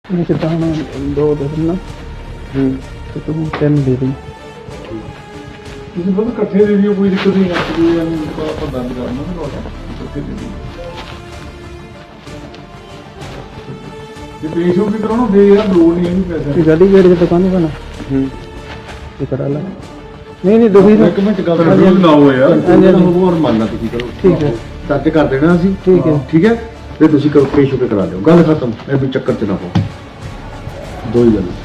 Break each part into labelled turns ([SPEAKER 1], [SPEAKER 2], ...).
[SPEAKER 1] ਜਿੱਦਾਂ ਹੁਣ 2 ਦੇ ਦੇਣਾ ਤੇ ਤੂੰ 3 ਦੇ ਦੇ।
[SPEAKER 2] ਤੁਸੀਂ ਬਹੁਤ ਇਕੱਠੇ ਦੇ ਦਿਓ, ਕੋਈ ਦਿੱਕਤ ਨਹੀਂ ਆਉਂਦੀ। ਆਪਾਂ ਬੰਦ ਕਰਨਾ ਨਾ ਲੋਟਾ ਇਕੱਠੇ ਦੇ ਦਿਓ। ਜੇ ਪੇਸ਼ ਹੋ ਕੇ ਕਰਾਉਣਾ ਦੇ ਯਾਰ, ਲੋੜ ਨਹੀਂ ਇਹਨੂੰ ਪੈਸੇ।
[SPEAKER 1] ਗਲੀ ਗੇਟ ਦੀ ਦੁਕਾਨ ਬਣਾ ਇਹ ਕਰਾ ਲਾ। ਨਹੀਂ ਨਹੀਂ ਦੁਖੀ
[SPEAKER 2] ਇੱਕ ਮਿੰਟ ਗੱਲ ਨਾ ਹੋ ਯਾਰ, ਹੋਰ ਮੰਨਣਾ ਤੁਸੀਂ ਕਰੋ।
[SPEAKER 1] ਠੀਕ ਹੈ,
[SPEAKER 2] ਦਰਜ ਕਰ ਦੇਣਾ ਅਸੀਂ।
[SPEAKER 1] ਠੀਕ ਹੈ,
[SPEAKER 2] ਠੀਕ ਹੈ। ਫਿਰ ਤੁਸੀਂ ਕਰੋ, ਪੇਸ਼ ਹੋ ਕੇ ਕਰਾ ਦਿਓ, ਗੱਲ ਖਤਮ। ਇਹ ਵੀ ਚੱਕਰ ਚ ਨਾ ਪਾਓ। ਦੋ ਹੀ ਗੱਲ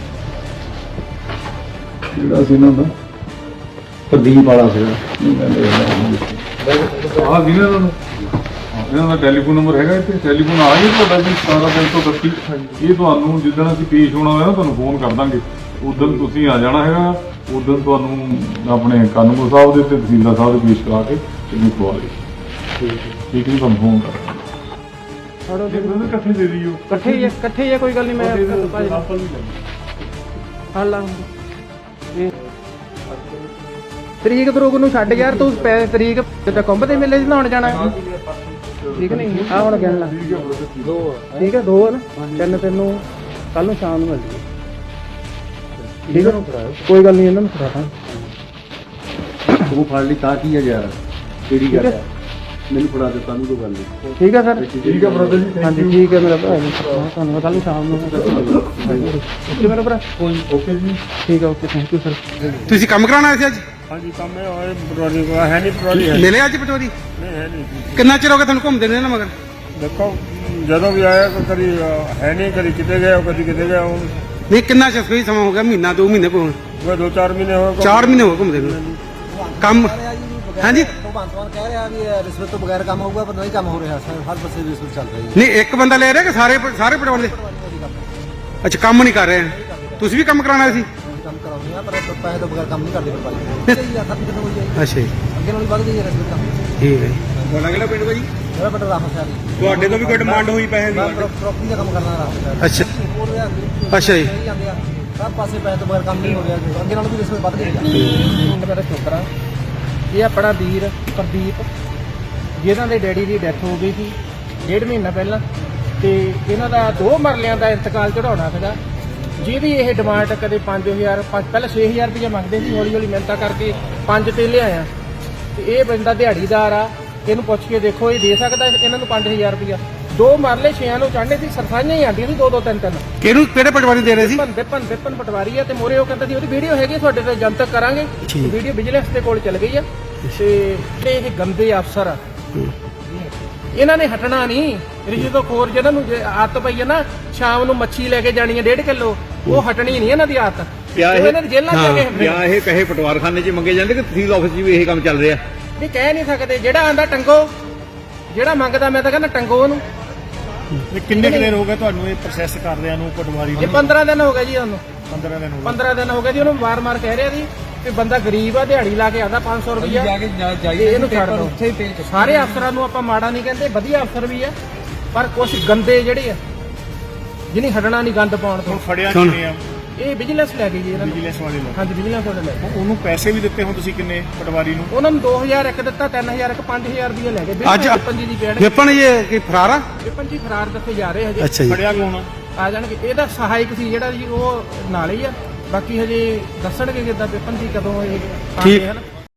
[SPEAKER 2] ਜਿਹੜਾ ਸੀ ਇਹਨਾਂ ਦਾ ਪ੍ਰਦੀਪ ਵਾਲਾ ਸੀਗਾ, ਆਹ ਜਿਹਨਾਂ ਨੂੰ ਇਹਨਾਂ ਦਾ ਟੈਲੀਫੋਨ ਨੰਬਰ ਹੈਗਾ ਇੱਥੇ, ਟੈਲੀਫੋਨ ਆ ਹੀ ਤੁਹਾਡਾ ਜੀ 17 ਇਹ ਤੁਹਾਨੂੰ ਜਿੱਦਣ ਅਸੀਂ ਪੇਸ਼ ਹੋਣਾ ਹੋਇਆ ਨਾ ਤੁਹਾਨੂੰ ਫੋਨ ਕਰ ਦਾਂਗੇ, ਉਦੋਂ ਤੁਸੀਂ ਆ ਜਾਣਾ ਹੈਗਾ। ਉਦੋਂ ਤੁਹਾਨੂੰ ਆਪਣੇ ਕਾਨੂੰਗੋ ਸਾਹਿਬ ਦੇ ਤੇ ਤਹਿਸੀਲਦਾਰ ਸਾਹਿਬ ਦੇ ਪੇਸ਼ ਕਰਾ ਕੇ ਇਹਨੂੰ ਖਵਾ ਲਈ। ਠੀਕ ਹੈ, ਤੁਹਾਨੂੰ ਫੋਨ ਕਰ ਇਕੱਠੇ ਦੇ ਦਿਓ।
[SPEAKER 1] ਇਕੱਠੇ ਹੀ ਆ, ਕੋਈ ਗੱਲ ਨਹੀਂ। ਮੈਂ ਹਾਲਾ ਤਰੀਕ ਤਰੂਕ ਨੂੰ ਛੱਡ ਯਾਰ, ਤੂੰ ਤਰੀਕ ਜਿੱਦਾਂ ਕੁੰਭ ਦੇ ਮੇਲੇ 'ਚ ਨਹਾਉਣ ਜਾਣਾ। ਠੀਕ ਨਹੀਂ ਆ ਹੁਣ ਕਹਿਣ ਲੱਗ ਠੀਕ ਹੈ। 2 ਹੈ ਨਾ, 3 ਤੈਨੂੰ ਕੱਲ ਨੂੰ ਸ਼ਾਮ ਨੂੰ ਮਿਲ ਜੂਗੀ। ਠੀਕ ਹੈ, ਕੋਈ ਗੱਲ ਨਹੀਂ, ਇਹਨਾਂ ਨੂੰ ਫੜਾ
[SPEAKER 2] ਤੂੰ ਫੜ ਲਈ ਤਾਂ ਕੀ ਹੈ ਯਾਰ, ਕਿਹੜੀ ਗੱਲ ਹੈ? ਮੈਨੂੰ ਫੜਾ ਦੇ, ਤੁਹਾਨੂੰ ਕੋਈ ਗੱਲ ਨਹੀਂ।
[SPEAKER 1] ਠੀਕ ਹੈ ਸਰ।
[SPEAKER 2] ਠੀਕ ਹੈ ਬ੍ਰਦਰ ਜੀ,
[SPEAKER 1] ਹਾਂਜੀ ਠੀਕ ਹੈ ਮੇਰਾ ਭਰਾ ਜੀ, ਤੁਹਾਨੂੰ ਕੱਲ ਨੂੰ ਸ਼ਾਮ ਨੂੰ ਓਕੇ ਮੇਰਾ ਭਰਾ।
[SPEAKER 2] ਓਕੇ ਜੀ,
[SPEAKER 1] ਠੀਕ ਹੈ, ਓਕੇ, ਥੈਂਕ ਯੂ ਸਰ।
[SPEAKER 3] ਤੁਸੀਂ ਕੰਮ ਕਰਾਉਣਾ ਆਏ ਸੀ ਅੱਜ?
[SPEAKER 4] ਹਾਂਜੀ ਕੰਮ ਹੈ ਪਟਵਾਰੀ ਕੋਲ ਹੈ ਨਹੀਂ, ਪਟਵਾਰੀ ਹੈ
[SPEAKER 3] ਮਿਲੇ ਅੱਜ ਪਟਵਾਰੀ?
[SPEAKER 4] ਨਹੀਂ, ਹੈ ਨਹੀਂ।
[SPEAKER 3] ਕਿੰਨਾ ਚਿਰ ਹੋ ਗਿਆ ਤੁਹਾਨੂੰ ਘੁੰਮਦੇ ਨੇ ਨਾ ਮਗਰ?
[SPEAKER 4] ਦੇਖੋ ਜਦੋਂ ਵੀ ਆਇਆ ਕਦੀ ਹੈ ਨਹੀਂ, ਕਦੀ ਕਿਤੇ ਗਿਆ, ਕਦੀ ਕਿਤੇ ਗਿਆ। ਹੁਣ
[SPEAKER 3] ਨਹੀਂ, ਕਿੰਨਾ ਚਿਰ ਕੋਈ ਸਮਾਂ ਹੋ ਗਿਆ? ਮਹੀਨਾ 2 ਮਹੀਨੇ ਕੋਲ?
[SPEAKER 4] 2-4 ਮਹੀਨੇ ਹੋ ਗਏ।
[SPEAKER 3] 4 ਮਹੀਨੇ ਹੋ ਗਏ ਘੁੰਮਦੇ ਨੂੰ। ਕੰਮ ਹਾਂਜੀ
[SPEAKER 5] ਭਗਵੰਤ ਮਾਨ ਕਹਿ ਰਿਹਾ ਵੀ ਰਿਸ਼ਵਤ ਤੋਂ ਬਗੈਰ ਕੰਮ ਹੋਊਗਾ, ਪਰ ਨਹੀਂ ਕੰਮ ਹੋ ਰਿਹਾ। ਹਰ ਪਾਸੇ ਰਿਸ਼ਵਤ ਚੱਲ ਰਹੀ ਹੈ।
[SPEAKER 3] ਨਹੀਂ, ਇੱਕ ਬੰਦਾ ਲੈ ਰਿਹਾ ਕਿ ਸਾਰੇ ਪਟਵਾਰੀ ਦੇ? ਅੱਛਾ, ਕੰਮ ਨਹੀਂ ਕਰ ਰਹੇ। ਤੁਸੀਂ ਵੀ ਕੰਮ ਕਰਾਉਣਾ ਸੀ?
[SPEAKER 5] ਕੰਮ ਕਰਾਉਂਦੇ ਆ, ਪਰ ਪੈਸੇ ਤੋਂ ਬਗੈਰ ਕੰਮ ਨਹੀਂ ਕਰਦੇ ਭਰਪਾਈ। ਖਤਮ ਕਿੱਥੇ ਹੋਈ ਜਾਏਗੀ?
[SPEAKER 3] ਅੱਛਾ ਜੀ,
[SPEAKER 5] ਅੱਗੇ ਨਾਲੋਂ ਵੱਧ ਗਈ ਹੈ ਰਿਸ਼ਵਤ ਕੰਮ।
[SPEAKER 3] ਠੀਕ ਹੈ ਜੀ।
[SPEAKER 4] ਤੁਹਾਡਾ ਕਿਹੜਾ ਪਿੰਡ ਭਾਜੀ?
[SPEAKER 5] ਮੇਰਾ ਬਟਾ ਰਾਮ ਸ਼ਾਹ ਜੀ।
[SPEAKER 4] ਤੁਹਾਡੇ ਤੋਂ ਵੀ ਕੋਈ ਡਿਮਾਂਡ ਹੋਈ ਪੈਸੇ
[SPEAKER 5] ਮੈਂ ਪ੍ਰੋਪਰਟੀ ਦਾ ਕੰਮ ਕਰਨਾ ਰਾਮ ਸ਼ਾਹ।
[SPEAKER 3] ਅੱਛਾ
[SPEAKER 5] ਹੋਰ
[SPEAKER 3] ਅੱਛਾ ਜੀ।
[SPEAKER 5] ਜਾਂਦੇ ਆ ਸਭ ਪਾਸੇ ਪੈਸੇ ਤੋਂ ਬਗੈਰ ਕੰਮ ਨਹੀਂ ਹੋ ਰਿਹਾ। ਅੱਗੇ ਨਾਲੋਂ ਵੀ ਰਿਸ਼ਵਤ ਵੱਧ ਗਈ ਹੈ।
[SPEAKER 1] ਮੇਰਾ ਛੋਕਰਾ ਇਹ ਆਪਣਾ ਵੀਰ ਪ੍ਰਦੀਪ, ਜਿਹਨਾਂ ਦੇ ਡੈਡੀ ਦੀ ਡੈਥ ਹੋ ਗਈ ਸੀ 1.5 ਮਹੀਨਾ ਪਹਿਲਾਂ, ਤੇ ਇਹਨਾਂ ਦਾ 2 ਮਰਲਿਆਂ ਦਾ ਇੰਤਕਾਲ ਚੜਾਉਣਾ ਸੀਗਾ, ਜਿਹਦੀ ਇਹ ਡਿਮਾਂਡ ਕਦੇ 5000 ਪਹਿਲਾਂ 6000 ਰੁਪਏ ਮੰਗਦੇ ਸੀ, ਹੌਲੀ ਹੌਲੀ ਮਿਹਨਤਾਂ ਕਰਕੇ 5 ਤੇ ਲਿਆਇਆ। ਤੇ ਇਹ ਬੰਦਾ ਦਿਹਾੜੀਦਾਰ ਆ, ਇਹਨੂੰ ਪੁੱਛ ਕੇ ਦੇਖੋ ਇਹ ਦੇ ਸਕਦਾ ਇਹਨਾਂ ਨੂੰ 5000 ਰੁਪਇਆ। 2 ਮਰਲੇ 6 ਨੂੰ ਚੜ੍ਹਨੇ ਸੀ, ਸਰਸਾਈਆਂ ਹੀ ਆਉਂਦੀਆਂ ਸੀ 2-2 3-3।
[SPEAKER 3] ਕਿਹੜੇ ਪਟਵਾਰੀ ਦੇ ਰਹੇ ਸੀ?
[SPEAKER 1] ਵਿਪਨ ਪਟਵਾਰੀ ਆ, ਤੇ ਮੋਰੇ ਉਹ ਕਹਿੰਦਾ ਸੀ ਉਹਦੀ ਵੀਡੀਓ ਹੈਗੀ ਤੁਹਾਡੇ ਤੇ ਜਨਤਕ ਕਰਾਂਗੇ। ਵੀਡੀਓ ਵਿਜੀਲੈਂਸ ਦੇ ਕੋਲ ਚਲ ਗਈ ਆ। ਤੇ ਇਹ ਗੰਦੇ ਅਫਸਰ ਆ, ਇਹਨਾਂ ਨੇ ਹਟਣਾ ਨਹੀਂ। ਰਿਸ਼ਵਤਖੋਰ ਜਿਹਨਾਂ ਨੂੰ ਆਦਤ ਪਈ ਹੈ ਨਾ ਸ਼ਾਮ ਨੂੰ ਮੱਛੀ ਲੈ ਕੇ ਜਾਣੀ ਹੈ 1.5 ਕਿਲੋ, ਉਹ ਹਟਣੀ ਨਹੀਂ ਇਹਨਾਂ ਦੀ ਆਦਤ। ਇਹਨਾਂ ਦੀ ਜੇਲ੍ਹਾਂ ਚ ਜਾ ਕੇ
[SPEAKER 4] ਜਾਂ ਇਹ ਪੈਸੇ ਪਟਵਾਰਖਾਨੇ 'ਚ ਮੰਗੇ ਜਾਂਦੇ ਕਿ ਤਹਿਸੀਲ ਆਫਿਸ 'ਚ ਵੀ ਇਹ ਕੰਮ ਚੱਲ ਰਿਹਾ?
[SPEAKER 1] ਨਹੀਂ, ਕਹਿ ਨਹੀਂ ਸਕਦੇ। ਜਿਹੜਾ ਆਂਦਾ ਟੰਗੋ, ਜਿਹੜਾ ਮੰਗਦਾ ਮੈਂ ਤਾਂ ਕਹਿੰਦਾ ਟੰਗੋ ਉਹਨੂੰ।
[SPEAKER 4] ਕਿੰਨੇ ਦਿਨ ਹੋ ਗਏ ਤੁਹਾਨੂੰ ਇਹ ਪ੍ਰੋਸੈਸ ਕਰਦਿਆਂ ਨੂੰ ਪਟਵਾਰੀ
[SPEAKER 1] ਇਹ 15 ਦਿਨ ਹੋ ਗਏ ਜੀ ਉਹਨੂੰ।
[SPEAKER 4] 15 ਦਿਨ ਹੋ
[SPEAKER 1] 15 ਦਿਨ ਹੋ ਗਏ ਜੀ ਉਹਨੂੰ। ਵਾਰ-ਵਾਰ ਕਹਿ ਰਿਹਾ ਸੀ ਕਿ ਬੰਦਾ ਗਰੀਬ ਆ, ਦਿਹਾੜੀ ਲਾ ਕੇ ਆਦਾ 500 ਰੁਪਇਆ, ਇਹਨੂੰ ਛੱਡ ਦਿਓ। ਸਾਰੇ ਅਫਸਰਾਂ ਨੂੰ ਆਪਾਂ ਮਾੜਾ ਨਹੀਂ ਕਹਿੰਦੇ, ਵਧੀਆ ਅਫਸਰ ਵੀ ਆ, ਪਰ ਕੁਝ ਗੰਦੇ ਜਿਹੜੇ ਆ ਜਿਹਨੇ ਹਟਣਾ ਨਹੀਂ ਗੰਦ ਪਾਉਣ ਤੋਂ।
[SPEAKER 4] ਫੜਿਆ ਕਿੰਨੇ ਆ?
[SPEAKER 1] ਇਹ ਵਿਜੀਲੈਂਸ ਲੈ ਗਈ ਜੀ ਇਹਨਾਂ ਨੂੰ।
[SPEAKER 4] ਵਿਜੀਲੈਂਸ ਵਾਲੇ ਲੋਕ?
[SPEAKER 1] ਹਾਂਜੀ, ਵਿਜੀਲੈਂਸ ਵਾਲੇ ਲੈ ਗਏ।
[SPEAKER 4] ਉਹਨੂੰ ਪੈਸੇ ਵੀ ਦਿੱਤੇ ਹੁਣ ਤੁਸੀਂ ਕਿੰਨੇ ਪਟਵਾਰੀ ਨੂੰ?
[SPEAKER 1] ਉਹਨਾਂ ਨੂੰ 2000 ਇੱਕ ਦਿੱਤਾ, 3000 ਇੱਕ, 5000 ਰੁਪਏ ਲੈ ਗਏ।
[SPEAKER 3] ਅੱਜ
[SPEAKER 1] ਪੰਜੀ ਦੀ ਪੇੜ
[SPEAKER 3] ਵਿਪਨ ਇਹ ਕੀ ਫਰਾਰ ਆ?
[SPEAKER 1] ਵਿਪਨ ਜੀ ਫਰਾਰ ਦੱਸੇ ਜਾ ਰਹੇ ਹਜੇ।
[SPEAKER 3] ਅੱਛਾ ਜੀ।
[SPEAKER 4] ਫੜਿਆ ਕੌਣ ਆ?
[SPEAKER 1] ਆ ਜਾਣਗੇ। ਇਹਦਾ ਸਹਾਇਕ ਸੀ ਜਿਹੜਾ ਜੀ, ਉਹ ਨਾਲ ਹੀ ਆ। ਬਾਕੀ ਹਜੇ ਦੱਸਣਗੇ ਕਿੱਦਾਂ ਵਿਪਨ ਜੀ ਕਦੋਂ ਇਹ ਆਉਂਦੇ ਹਨ।